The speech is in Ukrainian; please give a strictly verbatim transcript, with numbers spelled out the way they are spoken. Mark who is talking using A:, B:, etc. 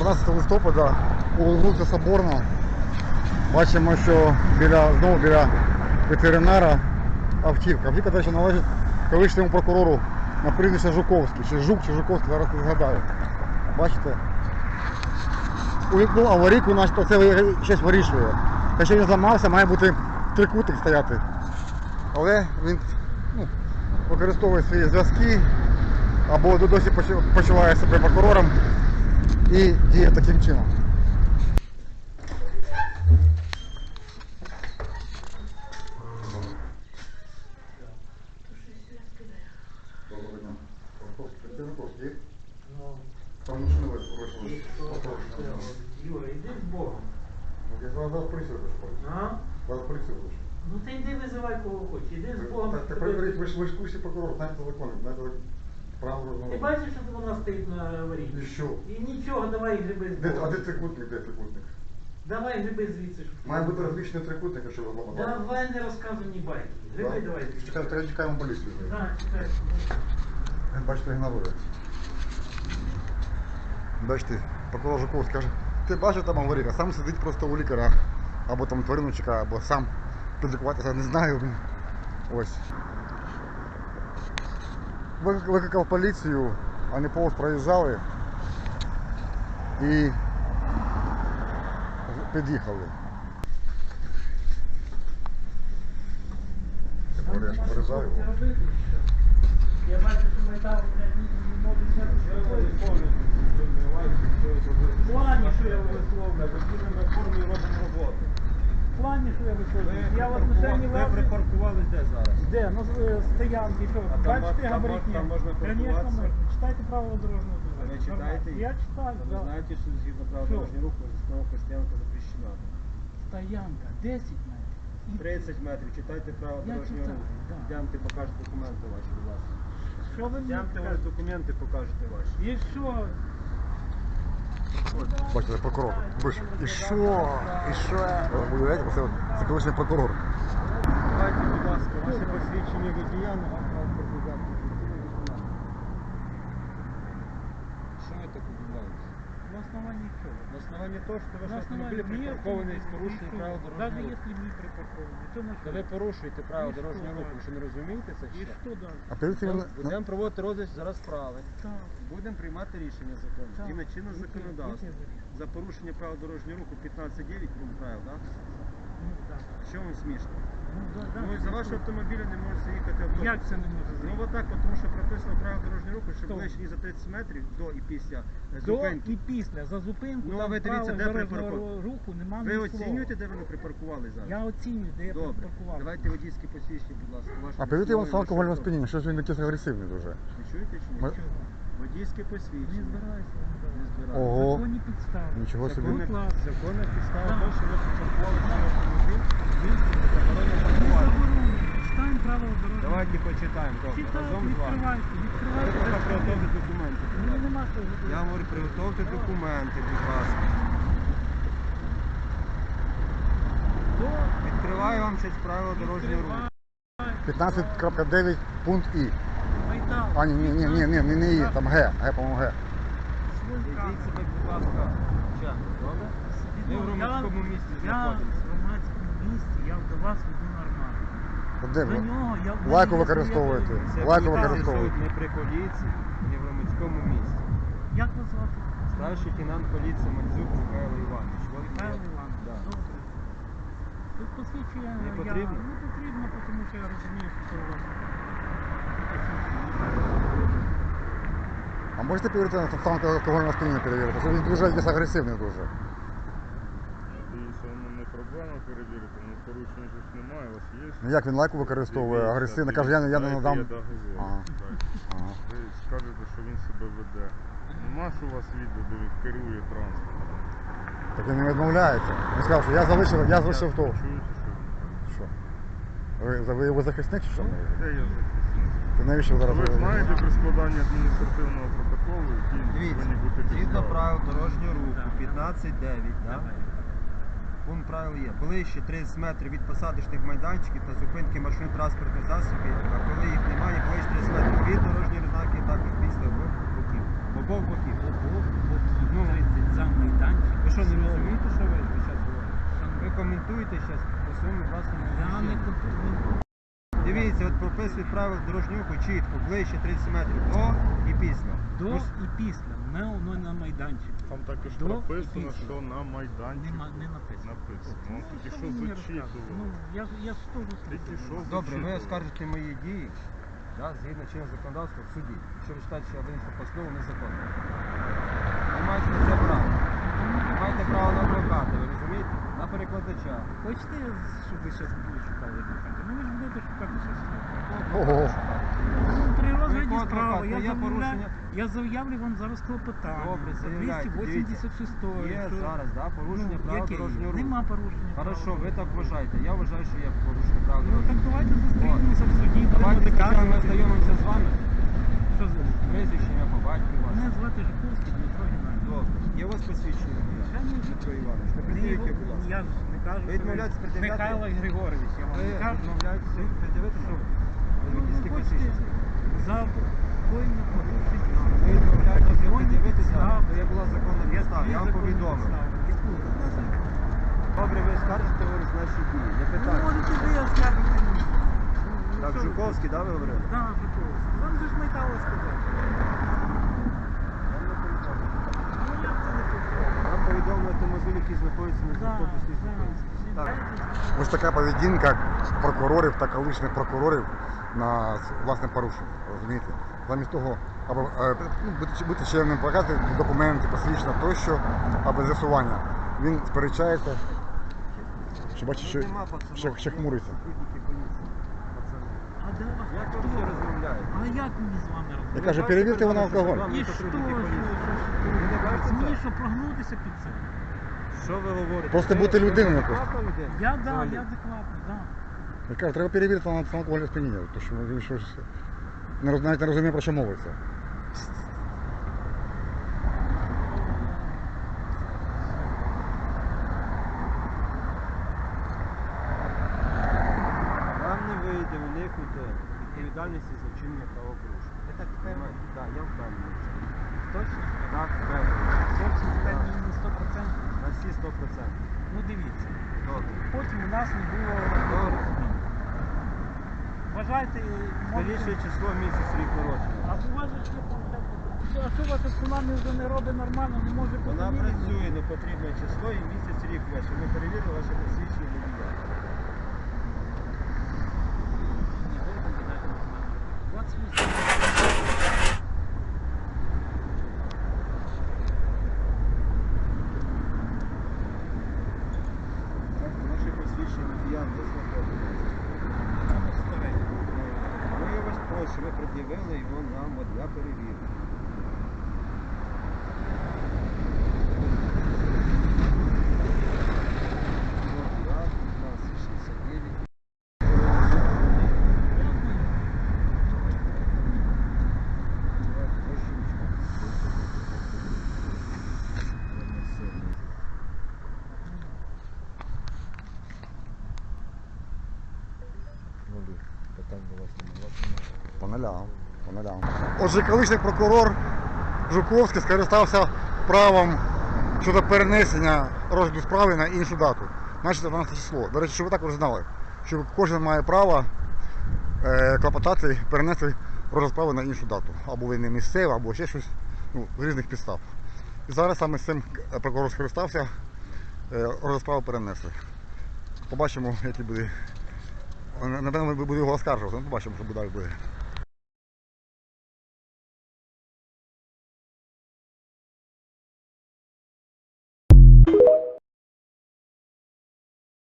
A: тринадцятого листопада у вулиці Соборна. Бачимо, що біля, знову біля ветеринара автівка. Автівка, до речі, належить колишньому прокурору на прізвище Жуковський. Чи Жук, чи Жуковський, зараз не згадаю. Бачите? Увімкнув аварійку, начебто це щось вирішує. Якщо він зламався, має бути трикутник стояти. Але він ну, використовує свої зв'язки або досі почуває себе прокурором і діє таким чином. Доброго дня. Працівниковський. Там машини вийшли.
B: Юра, йди з Богом.
A: Я зараз поліцію вийшов.
B: А?
A: Зараз поліцію вийшов.
B: Ну ти йди визивай кого хочеш, іди з Богом.
A: Так, перевіріть, ви ж ви ж в курсі прокурор, знаєте закон, знаєте правила.
B: Ти бачиш, що вона стоїть на аварійці?
A: І що?
B: І нічого, давай гриби з
A: Де, а
B: Богом.
A: де трикутник, де трикутник?
B: Давай гриби звідси. щоб-
A: Має бути розлічний трикутник, якщо ви зламали.
B: Давай не розказуй ні байки. Гриби давай звідси.
A: Чекайте, треба чекаємо поліцію.
B: Так, чекай.
A: Він, бачите, ігнорує. Бачите, прокурор Жуковський каже, ти бачиш там аварійка, сам сидить просто у лікаря, або там тварину чекає, або сам підлікуватися, не знаю. Ось. Викликав поліцію, вони повз проїжджали і під'їхали. Тепер я ж порізаю його.
B: Я бачу, що метал не може взяти. В плані, що я висловлюю,
C: Ми в формі робимо роботу.
B: в плані, що я висловлюю. Я в
C: Ви
B: отношенні
C: припаркували-
B: вас...
C: ви припаркувались де зараз?
B: Де? Ну, з- стоянки, що?
C: А там
B: Бачите,
C: мож- там
B: габаритні?
C: мож- там можна
B: Конечно,
C: паркуватися?
B: можна. Читайте правила дорожнього
C: А
B: движення.
C: ви читаєте їх?
B: Я читаю,
C: Ви
B: да.
C: знаєте, що згідно правил
B: Що?
C: дорожнього руху остановка стоянка запрещена.
B: Стоянка, десять метрів. І
C: тридцять метрів, читайте правила
B: Я
C: дорожнього
B: читаю,
C: руху.
B: да.
C: Йдемте, покажете документи ваші, будь ласка.
B: Що ви мені
C: Йдемте, ось
B: скажете?
C: документи покажете ваші.
B: І що?
A: Бачите, прокурор вийшов. І що? І що? Ви уявляєте, це, це колишній прокурор.
C: Давайте, будь ласка, ваше посвідчення водія на транспортний засіб. Що ви так удивляєтесь?
B: На основании чего?
C: На основании того, что ваш
B: На
C: автомобиль
B: основании
C: припаркований з порушенням правил
B: Даже
C: дорожнього руху.
B: если не припаркованный, то на
C: Та ви порушуєте правила
B: І що
C: дорожнього руху,
B: далі?
C: ви що не розумієте це
B: И
C: ще?
B: что дальше?
A: А перед цим
C: Будемо-
A: він-
C: Будемо проводити розгляд зараз справи.
B: Так.
C: Будемо приймати рішення закону.
B: Так.
C: Згідно чинного
B: Яке-
C: законодавства.
B: яке вирішення?
C: За порушення правил дорожнього руху п'ятнадцять дев'ять пункт правил, так?
B: Ну, так.
C: Що вам смішно?
B: Ну, да, да.
C: Ну, за вашого автомобіля не може заїхати автобус.
B: Як це не може
C: Ну,
B: заїхати?
C: отак, от, тому що прописано правила дорожнього руху, що
B: Хто?
C: ближче ніж за тридцять метрів до і після е,
B: До
C: зупинки.
B: і після. За зупинку
C: Ну, а
B: там
C: ви дивіться,
B: правил
C: де
B: дорожнього
C: припаркований?
B: руху нема
C: Ви
B: ні
C: оцінюєте,
B: слова.
C: де вони припаркували зараз?
B: Я оцінюю, де я
C: Добре.
B: припаркував.
C: Давайте водійські посвідчення, будь ласка. Ваше
A: А перед цим він
C: слово і
A: став
C: ваше
A: алкогольного
C: авто.
A: сп'яніння, щось він якийсь агресивний дуже.
C: Ви чуєте чи ні?
A: Ми-
B: Чого?
C: Водійське
B: Не
C: посвідчення.
B: збираюся.
C: Не збираюся.
A: Ого.
B: Законні підстави.
A: Нічого собі.
C: Законна,
B: Будь ласка.
C: законна підстава
B: Так.
C: того, що ви припаркували свій автомобіль, звісно, заборонено
B: Не
C: паркувати.
B: заборонено. Читаємо правила дорожнього.
C: Давайте почитаємо, добре,
B: Читайте,
C: разом з вами.
B: відкривайте,
C: Ви
B: відкривайте.
C: поки приготовте документи. будь
B: Мені
C: ласка.
B: нема що
C: Я говорю, приготовте документи, будь ласка.
B: До
C: Відкриваю вам щось правила дорожнього руху.
A: п'ятнадцять крапка дев'ять пункт І.
B: Майдан.
A: А, ні, ні, ні, ні, ні, не, не І, там Г, Г, по-моєму, Г.
C: Ведіть себе, будь ласка, чемно, добре? Ми в громадському місці
B: Я
C: знаходимося.
B: в громадському місці, я до вас веду нормально.
A: От Де
B: До
A: ви?
B: нього я... в
A: Лайку
B: мене є
A: використовуєте.
B: своя
C: Це
A: Лайку
C: поліцейський
A: використовуєте.
C: суд не при поліції, не в громадському місці.
B: довідка. Як вас звати?
C: Старший лейтенант поліції Мандзюк Михайло Іванович. Ви
B: Михайло
C: відповідаєте?
B: Іванович.
C: Да.
B: Добре. Тут посвідчення
C: Не
B: я...
C: потрібно?
B: Не потрібно, тому що я розумію, що це у вас.
A: А можете перевірити на стан алкогольного сп'яніння перевірити? Що він дуже якийсь агресивний дуже.
D: Дивіться, воно не проблема перевірити, ну порушень же ж немає, у вас є.
A: Ну як він лайку використовує,
D: Дивіться,
A: агресивно, каже, я, не- я не
D: дайте
A: надам.
D: Я догазую.
A: Ага.
D: Дайте.
A: Ага.
D: Ви скажете, що він себе веде. Нема ж у вас відео, де він керує транспортом.
A: Так він не відмовляється. Він сказав, що я залишив, я залишив то.
D: Ви чуєте, що?
A: Що? Ви, ви його захисник чи що?
D: Де я захисник?
A: Ти навіщо зараз?
D: Ви знаєте при складанні адміністративного протоколу, які
C: Дивіться,
D: повинні бути
C: згідно
D: підстави?
C: правил дорожнього руху,
B: Так.
C: п'ятнадцять дев'ять, да?
B: Давай.
C: Пункт правил є. Ближче тридцять метрів від посадочних майданчиків та зупинки машин транспортних засобів, а коли їх немає, ближче тридцять метрів від дорожньої знаки, також після обох боків. Обох боків.
B: Обох боків.
C: Ну,
B: тридцять за майданчик.
C: Ви що, не розумієте, що ви зараз говорите?
B: Шановні,
C: Ви коментуєте зараз по своєму власному
B: Я не
C: відчуттю.
B: контролюю.
C: Дивіться, от прописують правил дорожнього руху чітко, ближче тридцять метрів до і після.
B: До
C: Ви ж-
B: і після. Не воно на майданчику.
D: Там також
B: До і
D: прописано,
B: після.
D: що на майданчику
B: Нема, не написано.
D: написано.
B: Ну,
D: Ну, тільки
B: що
D: що
B: ви мені розказуєте? Ну,
D: зачитували.
B: я, ж- я ж теж
D: Тільки що
B: слухаю.
C: Добре, ви
D: зачитували.
C: оскаржите мої дії, да, згідно чинного законодавства в суді. Якщо ви вважаєте, що я винесла постанову незаконно. Ви маєте на це право. Ви маєте право на адвоката, ви розумієте? На перекладача.
B: Хочете, щоб ви зараз були шукали адвоката? Ну ви ж будете шукати щось.
A: Ого.
B: Ну, при розгляді
C: якого
B: справи
C: адвоката?
B: я
C: Є
B: заявляю,
C: порушення?
B: я заявлю вам зараз клопотання.
C: Добре,
B: по
C: заявляйте,
B: двісті вісімдесят шість.
C: Є зараз, да, порушення
B: Ну,
C: правил
B: яке є?
C: дорожнього руху.
B: Нема порушення.
C: Хорошо,
B: правил
C: ви так
B: дорожнього
C: вважаєте. Я вважаю, що є порушення правил
B: руху. Ну
C: дорожнього
B: так
C: руху.
B: давайте зустрінемося в суді. будемо
C: Давайте спочатку ми
B: доказувати.
C: знайомимося з вами.
B: Що за
C: Прізвище, ім'я по батькові ваше.
B: Мене звати Жуковський Дмитро Геннадійович.
C: Добре. Є у вас посвідчення?
B: Звичайно,
C: Дмитро Іванович. Не
B: Ні,
C: пред'явіть, будь ласка.
B: Я ж не кажу,
C: Ви
B: що
C: відмовляєтесь пред'являти?
B: Михайло Григорович, я вам
C: Ви
B: не кажу.
C: відмовляєтеся пред'явити
B: Що?
C: нам?
B: Ну, ви
C: Водійське
B: хочете
C: посвідчення.
B: за койне порушення.
C: Ви відмовляєтеся
B: Законні
C: пред'явити нам?
B: підстави.
C: То я була законна підстава, я вам
B: Законні
C: повідомив.
B: підстави. Яку?
C: Добре, ви скажете, говорить, наші дії. Не
B: Ну,
C: питання.
B: можете ви оскаржити мені. Ну,
C: Так,
B: що ви?
C: Жуковський, да, ви говорили?
B: Так, Жуковський. Вам же ж Михайло сказав.
C: Вам не повідомив.
B: Ну, як це не повідомив?
C: Вам повідомили автомобіль, який знаходиться на
B: Так,
C: автобусній
B: так.
C: зупинці. Так.
A: Ось така поведінка прокурорів та колишніх прокурорів на власне порушення. Розумієте? Замість того, аби е, ну, бути, бути чемним, показати документи, посвідчення тощо, аби з'ясування. Він сперечається, що бачить, що,
C: Нема пацанов,
A: що, що
C: є
A: хмуриться.
C: сотрудники поліції, пацани.
B: А де вас?
C: Як ви
B: хто?
C: всі розмовляєте?
B: А як мені з вами
A: Я
B: розмовляти?
A: кажу, перевірте ви на алкоголь.
C: Вам
B: І
C: не
B: що, що,
C: сотрудники
B: що,
C: поліції.
B: що?
C: Ви не бачите
B: Мені
C: це?
B: що, прогнутися під це?
C: Що ви говорите?
A: Просто
C: Ви-
A: бути
C: ви
A: людиною
C: адекватна
A: просто.
C: людина?
B: Я, да,
C: Взагалі?
B: я адекватний, да.
A: Я кажу, треба перевірити на алкогольне сп'яніння, тому що він щось не, роз- навіть не розуміє, про що мовиться.
C: Вам не вийде уникнути відповідальності за вчинення правопорушення.
B: Ви так
C: Понимаєте? Так, я впевнений.
B: Точно?
C: Так, впевнений.
B: Точно впевнені на сто відсотків.
C: На всі сто процентів.
B: Ну дивіться,
C: Добре.
B: потім у нас не було порозуміння. Вважайте,
C: Скоріше
B: можете...
C: число місяць рік народження.
B: А у вас же ще конкретно. А що ваша цунамі вже не робить нормально, не може бути
C: Вона
B: міряно?
C: працює на потрібне число і місяць рік ваше. Ми перевірили ваше посвідчення водія.
B: Ні, ви виглядаєте нормально. двадцять вісім.
C: Ваше посвідчення водія не знаходиться.
B: Воно старе.
C: Ну, я вас прошу, ви пред'явили його нам от для перевірки. От, раз, п'ятнадцять, шістдесят дев'ять. Давайте, вашу ручку. Ну, питань до вас немає.
A: По нулям, по нулям. Отже, колишній прокурор Жуковський скористався правом щодо перенесення розгляду справи на іншу дату. Значить, дванадцяте число. До речі, щоб ви також знали, що кожен має право е, клопотати, перенести розгляд справи на іншу дату. Або ви не місцева, або ще щось, ну, з різних підстав. І зараз саме з цим прокурор скористався, е, розгляд справи перенесли. Побачимо, який буде. Напевно, ми будемо його оскаржувати, ну, побачимо, що далі буде.